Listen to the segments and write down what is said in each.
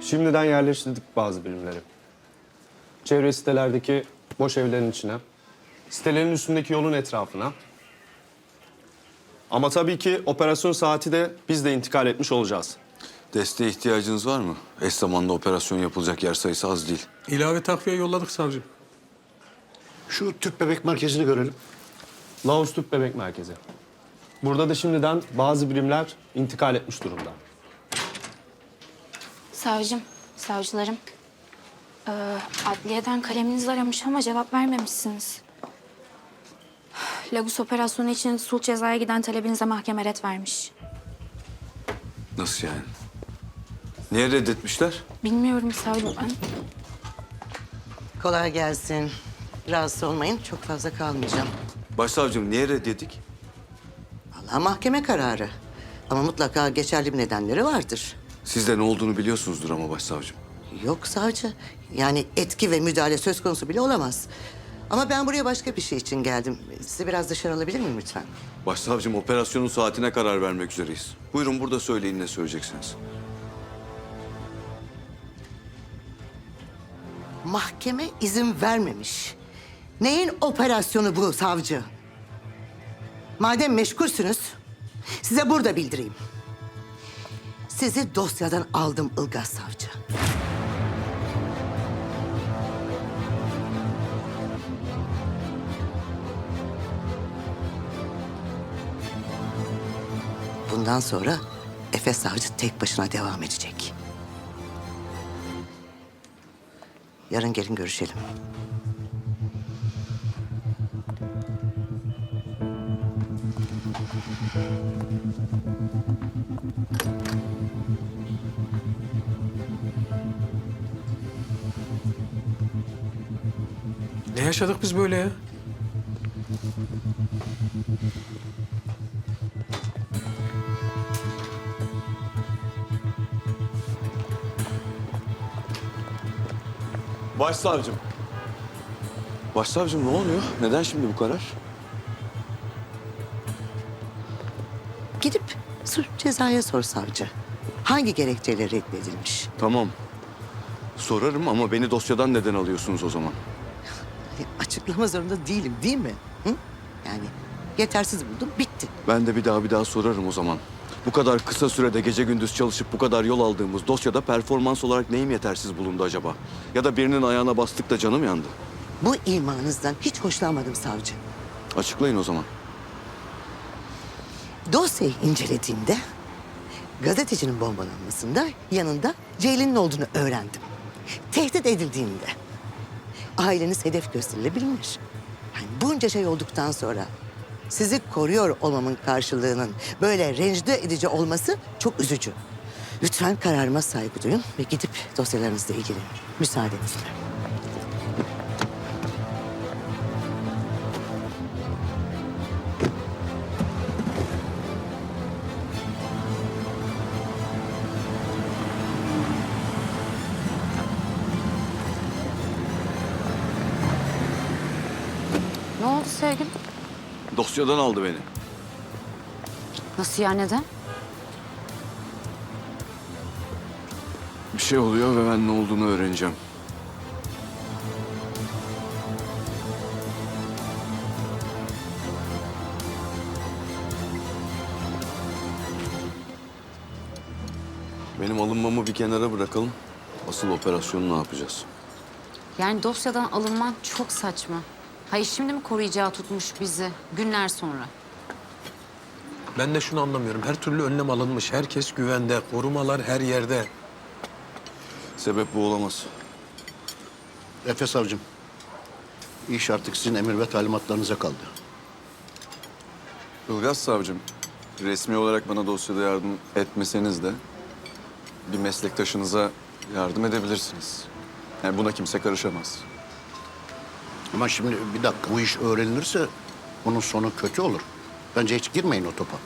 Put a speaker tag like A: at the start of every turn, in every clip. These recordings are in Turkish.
A: Şimdiden yerleştirdik bazı birimleri. Çevre sitelerdeki boş evlerin içine, sitelerin üstündeki yolun etrafına. Ama tabii ki operasyon saati de biz de intikal etmiş olacağız.
B: Desteğe ihtiyacınız var mı? Eş zamanlı operasyon yapılacak yer sayısı az değil.
C: İlave takviye yolladık savcım.
D: Şu tüp bebek merkezini görelim.
A: Laos Tüp Bebek Merkezi. Burada da şimdiden bazı birimler intikal etmiş durumda.
E: Savcım, savcılarım. Adliyeden kaleminiz aramış ama cevap vermemişsiniz. Lagos operasyonu için sulh cezaya giden talebinize mahkeme ret vermiş.
B: Nasıl yani? Niye reddetmişler?
E: Bilmiyorum savcım ben.
F: Kolay gelsin. Rahatsız olmayın. Çok fazla kalmayacağım.
B: Başsavcım niye reddedik?
F: Vallahi mahkeme kararı. Ama mutlaka geçerli bir nedenleri vardır.
B: Siz de ne olduğunu biliyorsunuzdur ama başsavcım.
F: Yok savcı. Yani etki ve müdahale söz konusu bile olamaz. Ama ben buraya başka bir şey için geldim. Sizi biraz dışarı alabilir miyim lütfen?
B: Başsavcım operasyonun saatine karar vermek üzereyiz. Buyurun burada söyleyin ne söyleyeceksiniz.
F: Mahkeme izin vermemiş. Neyin operasyonu bu savcı? Madem meşgulsünüz, size burada bildireyim. Sizi dosyadan aldım Ilgaz savcı. Bundan sonra Efe savcı tek başına devam edecek. Yarın gelin görüşelim.
C: Ne yaşadık biz böyle ya?
B: Başsavcım. Başsavcım ne oluyor? Neden şimdi bu karar?
F: Gidip sulh cezaya sor savcı. Hangi gerekçeyle reddedilmiş?
B: Tamam. Sorarım ama beni dosyadan neden alıyorsunuz o zaman?
F: Açıklama zorunda değilim değil mi? Hı? Yani yetersiz buldum bitti.
B: Ben de bir daha sorarım o zaman. Bu kadar kısa sürede gece gündüz çalışıp bu kadar yol aldığımız dosyada performans olarak neyim yetersiz bulundu acaba? Ya da birinin ayağına bastık da canım yandı.
F: Bu imanınızdan hiç hoşlanmadım savcı.
B: Açıklayın o zaman.
F: Dosyayı incelediğimde gazetecinin bombalanmasında yanında Ceylin'in olduğunu öğrendim. Tehdit edildiğinde aileniz hedef gösterilebilmiş. Yani bunca şey olduktan sonra sizi koruyor olmamın karşılığının böyle rencide edici olması çok üzücü. Lütfen kararıma saygı duyun ve gidip dosyalarınızla ilgilenin. Müsaadenizle.
G: Ne oldu sevgilim?
B: Dosyadan aldı beni.
G: Nasıl ya, neden?
B: Bir şey oluyor ve ben ne olduğunu öğreneceğim. Benim alınmamı bir kenara bırakalım. Asıl operasyonu ne yapacağız?
G: Yani dosyadan alınman çok saçma. Hayır, şimdi mi koruyacağı tutmuş bizi günler sonra?
C: Ben de şunu anlamıyorum. Her türlü önlem alınmış. Herkes güvende. Korumalar her yerde.
B: Sebep bu olamaz.
D: Efe savcım. İş artık sizin emir ve talimatlarınıza kaldı.
B: Ilgaz savcım, resmi olarak bana dosyada yardım etmeseniz de bir meslektaşınıza yardım edebilirsiniz. Yani buna kimse karışamaz.
D: Ama şimdi bir dakika bu iş öğrenilirse bunun sonu kötü olur. Bence hiç girmeyin o topa.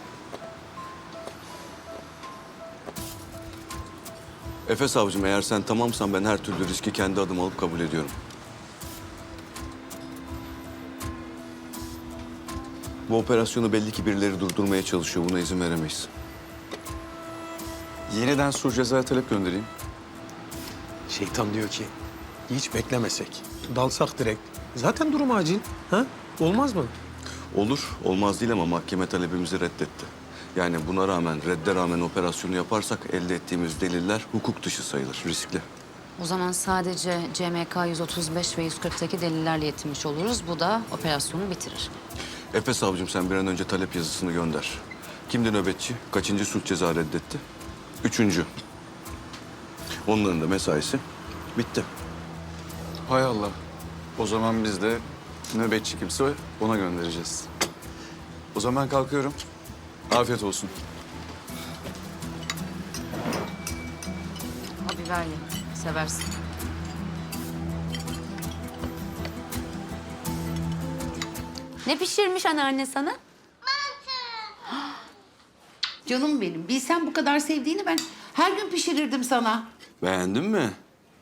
B: Efe savcım eğer sen tamamsan ben her türlü riski kendi adıma alıp kabul ediyorum. Bu operasyonu belli ki birileri durdurmaya çalışıyor. Buna izin veremeyiz. Yeniden sulh cezaya talep göndereyim.
C: Şeytan diyor ki hiç beklemesek, dalsak direkt. Zaten durum acil. Ha? Olmaz mı?
B: Olur, olmaz değil ama mahkeme talebimizi reddetti. Yani buna rağmen, redde rağmen operasyonu yaparsak elde ettiğimiz deliller hukuk dışı sayılır, riskli.
G: O zaman sadece CMK 135 ve 140'taki delillerle yetinmiş oluruz. Bu da operasyonu bitirir.
B: Efe savcım sen bir an önce talep yazısını gönder. Kimdi nöbetçi? Kaçıncı sulh ceza reddetti? 3. Onların da mesaisi bitti.
H: Hay Allah. O zaman biz de nöbetçi kimse ona göndereceğiz. O zaman kalkıyorum. Afiyet olsun.
G: O biber ye. Seversin. Ne pişirmiş anneanne sana?
I: Canım benim. Bilsem bu kadar sevdiğini ben her gün pişirirdim sana.
B: Beğendin mi?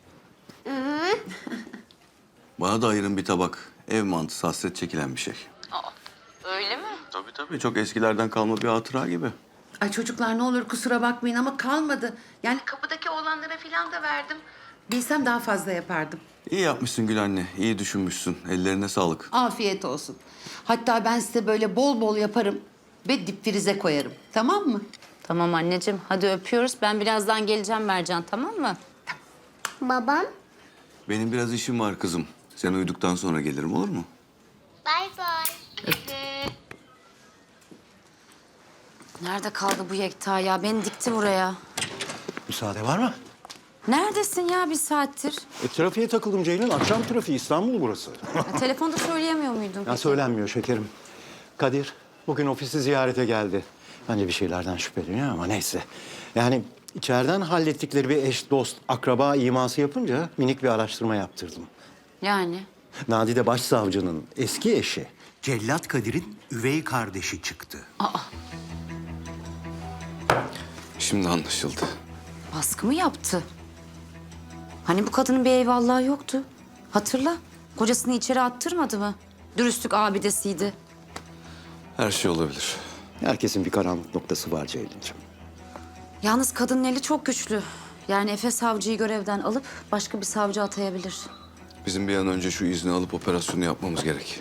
B: Bana da ayırın bir tabak. Ev mantısı hasret çekilen bir şey.
G: Öyle mi?
B: Tabii tabii çok eskilerden kalma bir hatıra gibi.
I: Ay çocuklar ne olur kusura bakmayın ama kalmadı. Yani kapıdaki oğlanlara falan da verdim. Bilsem daha fazla yapardım.
B: İyi yapmışsın Gül anne, iyi düşünmüşsün. Ellerine sağlık.
I: Afiyet olsun. Hatta ben size böyle bol bol yaparım ve dipfrize koyarım. Tamam mı?
G: Tamam anneciğim. Hadi öpüyoruz. Ben birazdan geleceğim Mercan, tamam mı?
J: Babam,
B: Benim biraz işim var kızım. Sen uyuduktan sonra gelirim olur mu?
J: bay bay.
G: Nerede kaldı bu Yekta ya? Beni dikti buraya.
K: Müsaade var mı?
G: Neredesin ya bir saattir?
K: Trafiğe takıldım Ceylin. Akşam trafiği İstanbul burası.
G: Ya, telefonda söyleyemiyor muydun?
K: Ya
G: peki?
K: söylenmiyor şekerim. Kadir bugün ofisi ziyarete geldi. Bence bir şeylerden şüpheleniyor ama neyse. Yani içeriden hallettikleri bir eş, dost, akraba iması yapınca minik bir araştırma yaptırdım.
G: Yani?
K: Nadide Başsavcı'nın eski eşi Cellat Kadir'in üvey kardeşi çıktı.
B: Şimdi anlaşıldı.
G: Baskı mı yaptı? Hani bu kadının bir eyvallahı yoktu. Hatırla. Kocasını içeri attırmadı mı? Dürüstlük abidesiydi.
B: Her şey olabilir.
K: Herkesin bir karanlık noktası var Ceylin'ciğim.
G: Yalnız kadının eli çok güçlü. Yani Efe savcıyı görevden alıp başka bir savcı atayabilir.
B: Bizim bir an önce şu izni alıp operasyonu yapmamız gerek.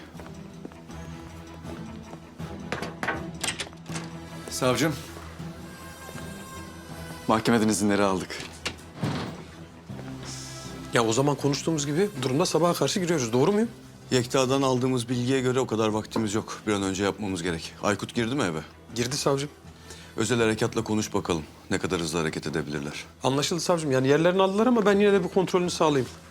H: Savcım. Mahkemeden izinleri aldık.
C: Ya o zaman konuştuğumuz gibi durumda sabaha karşı giriyoruz. Doğru muyum?
B: Yekta'dan aldığımız bilgiye göre o kadar vaktimiz yok. Bir an önce yapmamız gerek. Aykut girdi mi eve?
C: Girdi savcım.
B: Özel harekatla konuş bakalım. Ne kadar hızlı hareket edebilirler.
C: Anlaşıldı savcım. Yani yerlerini aldılar ama ben yine de bir kontrolünü sağlayayım.